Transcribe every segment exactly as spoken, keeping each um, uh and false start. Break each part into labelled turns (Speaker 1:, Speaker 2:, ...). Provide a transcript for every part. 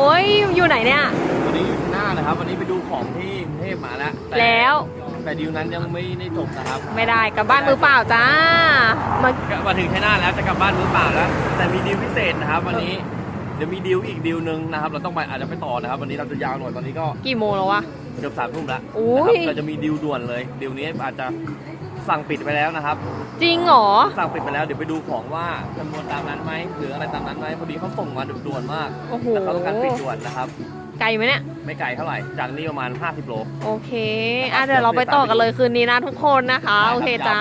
Speaker 1: อ้ยอยู่ไหนเนี่ย
Speaker 2: วันนี้อยู่ที่หน้านะครับวันนี้ไปดูของที่กรุงเทพมาแล้ว
Speaker 1: แล้ว
Speaker 2: แต่ดีลนั้นยังไม่ได้จบนะครับ
Speaker 1: ไม่ได้กลับบ้านมือเปล่าจ้า
Speaker 2: มามาถึงที่หน้าแล้วจะกลับบ้านมือเปล่าแล้วแต่มีดีลพิเศษนะครับวันนี้เดี๋ยวมีดีลอีกดีลนึงนะครับเราต้องไปอาจจะไปต่อนะครับวันนี้เราจะยาวหน่อยตอนนี้ก็
Speaker 1: กี่โมงแล้ววะ
Speaker 2: เกือบสามทุ่มแล้ว
Speaker 1: นะครับ
Speaker 2: เราจะมีดีลด่วนเลยดีลนี้อาจจะสั่งปิดไปแล้วนะครับ
Speaker 1: จริงเหรอ
Speaker 2: สั่งปิดไปแล้วเดี๋ยวไปดูของว่าจำนวนตามนั้นไหมหรืออะไรตามนั้นไหมพอดีเขาส่งมาด่วนมากแล้วเขาต้องการปิดด่วนนะครับ
Speaker 1: ไกลไหมเนี่ย
Speaker 2: ไม่ไกลเท่าไหร่จากนี่ประมาณห้าสิบโล
Speaker 1: โอเคอ่ะเดี๋ยวเราไปต่อกันเลยคืนนี้นะทุกคนนะคะโอเคจ้า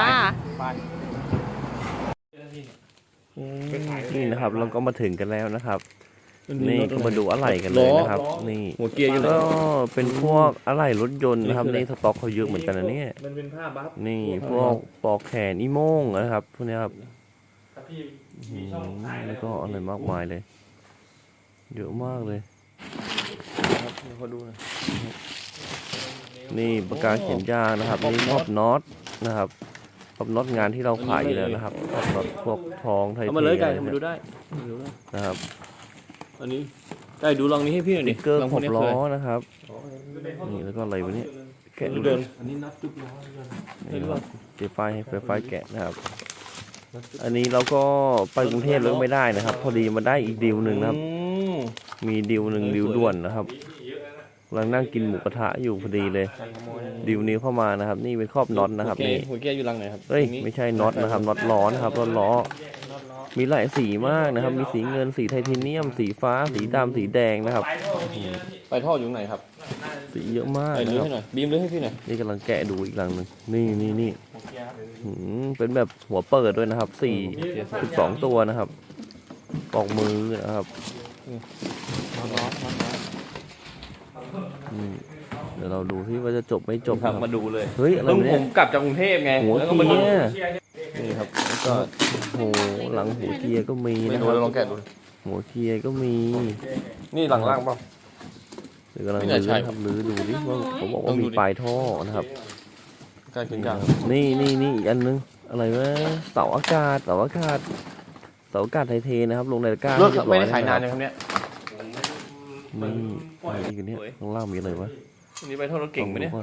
Speaker 2: นี่นะครับเราก็มาถึงกันแล้วนะครับนี่ก็มาดูอะไหล่กันเลยนะครับนี่หัวเกียร์อยู่แล้วก็เป็นพวกอะไหล่รถยนต์นะครับนี่สต็อกเขาเยอะเหมือนกันนะเนี่ยมันเป็นผ้าบัฟนี่พวกปอกแขนอีโม่งนะครับพวกนี้ครับแล้วก็อะไรมากมายเลยเยอะมากเลยครับเขาดูนะนี่ปากกาเขียนยางนะครับนี่มอบน็อตนะครับมอบน็อตงานที่เราขายอยู่แล้วนะครับมอบน็อตพวกทองไทยเทมาเลยไก่มาดูได้นะครับอันนี้ไก่ดูลองนี้ให้พี่หน่อยดิเกอร์ขอบล้อนะครับนี่แล้วก็อะไรวะเนี่ยแกะดูเดินอันนี้นับจุกล้อนี่ครับเจไฟให้ไฟไฟแกะนะครับอันนี้เราก็ไปกรุงเทพแล้วไม่ได้นะครับพอดีมาได้อีกดีลหนึ่งนะครับมีดีลหนึ่งดีลด่วนนะครับกำลังนั่งกินหมูกระทะอยู่พอดีเลยดีลนี้เข้ามานะครับนี่เป็นครอบน็อตนะครับนี่หัวเกียร์อยู่รังไหนครับเฮ้ยไม่ใช่น็อตนะครับน็อตล้อนะครับน็อตล้อมีหลายสีมากนะครับมีสีเงินสีไทเทเนียมสีฟ้าสีดำสีแดงนะครับไปท่ออยู่ไหนครับสีเยอะมากนะครับบีมเลยให้พี่หน่อยนี่กำลังแกะดูอีกรังหนึ่งนี่นี่นี่เป็นแบบหัวเปิดด้วยนะครับสี่สิบสองตัวนะครับปอกมือนะครับเดี๋ยวเราดูที่ว่าจะจบไม่จบครับมาดูเลยเฮ้ยอะไรเนี่ยผมกลับจากกรุงเทพไงหัวเกียร์นี่ครับแล้วก็โหหลังหัวเกียร์ก็มีนะครับลองแกะดูหัวเกียร์ก็มีนี่หลังล่างเปล่าเดี๋ยวกำลังลื้อครับลื้อดูดิว่าผมบอกว่ามีปลายท่อนะครับการขึ้นยางนี่นี่นี่อีกอันนึงอะไรวะเสาอากาศเสาอากาศเสาอากาศไทเทนะครับลงในตะกร้าไม่ได้ขายนานนะครับเนี่ยนี่อะไรอีกอันนี้ข้างล่างมีอะไรวะนี่ไปท่อรถเก่งไหมเนี่ย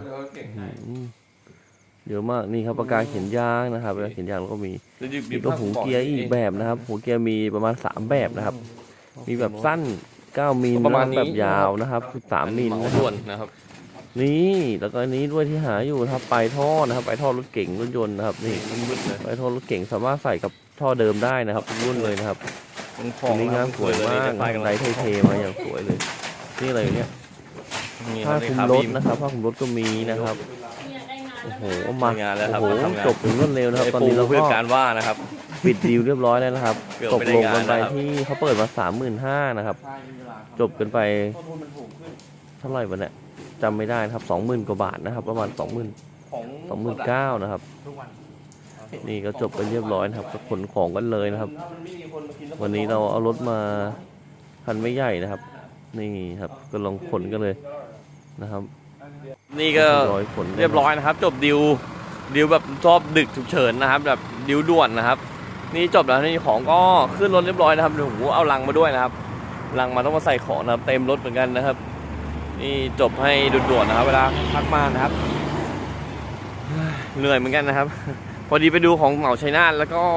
Speaker 2: เยอะมากนี่ครับปากกาเขียนยางนะครับปากกาเขียนยางแล้วก็มีมีก็หูเกียร์อีกแบบนะครับหูเกียร์มีประมาณสามแบบนะครับมีแบบสั้นเก้ามิลแบบยาวนะครับสิบสามมิลนะครับนี่แล้วก็อันนี้ด้วยที่หาอยู่นะครับปลายท่อนะครับปลายท่อรถเก่งรถยนต์นะครับนี่ปลายท่อรถเก่งสามารถใส่กับท่อเดิมได้นะครับทุกรุ่นเลยนะครับอันนี้งานสวยมากไซส์ไทยๆมาอย่างสวยเลยนี่อะไรเนี่ยผ้าคลุมรถนะครับผ้าคลุมรถก็มีนะครับโอ้โหมางานแล้วครับโอ้โหจบถึงรวดเร็วนะครับตอนนี้เราก็การว่านะครับปิดดีลเรียบร้อยแล้วนะครับตกลงกันไปที่เขาเปิดมาสามหมื่นห้านะครับจบกันไปเท่าไหร่วะเนี่ยจำไม่ได้นะครับสองหมื่นกว่าบาทนะครับประมาณสองหมื่นสองหมื่นเก้านะครับนี่ก็จบกันเรียบร้อยนะครับขนของกันเลยนะครับวันนี้เราเอารถมาคันไม่ใหญ่นะครับนี่ครับก็ลองขนกันเลยนะครับนี่ก็เรียบร้อยนะครับจบดิวดิวแบบชอบดึกฉุกเฉินนะครับแบบดิวด่วนนะครับนี่จบแล้วนี่ของก็ขึ้นรถเรียบร้อยนะครับโอ้โหเอาลังมาด้วยนะครับลังมาต้องมาใส่ของนะครับเต็มรถเหมือนกันนะครับนี่จบให้ด่วนๆนะครับเวลาพักมานะครับเหนื่อยเหมือนกันนะครับพอดีไปดูของเหมาชัยนาทแล้วก็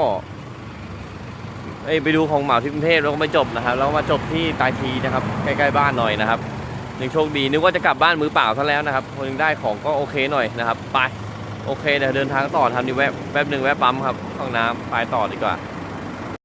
Speaker 2: ไปดูของเหมาที่กรุงเทพแล้วก็ไม่จบนะครับแล้วมาจบที่ตายทีนะครับใกล้ๆบ้านหน่อยนะครับยังโชคดีนึกว่าจะกลับบ้านมือเปล่าซะแล้วนะครับพอยังได้ของก็โอเคหน่อยนะครับไปโอเคเดี๋ยวเดินทางต่อทำดีแวะแป๊บหนึ่งแวะปั๊มครับห้องน้ำไปต่อดีกว่า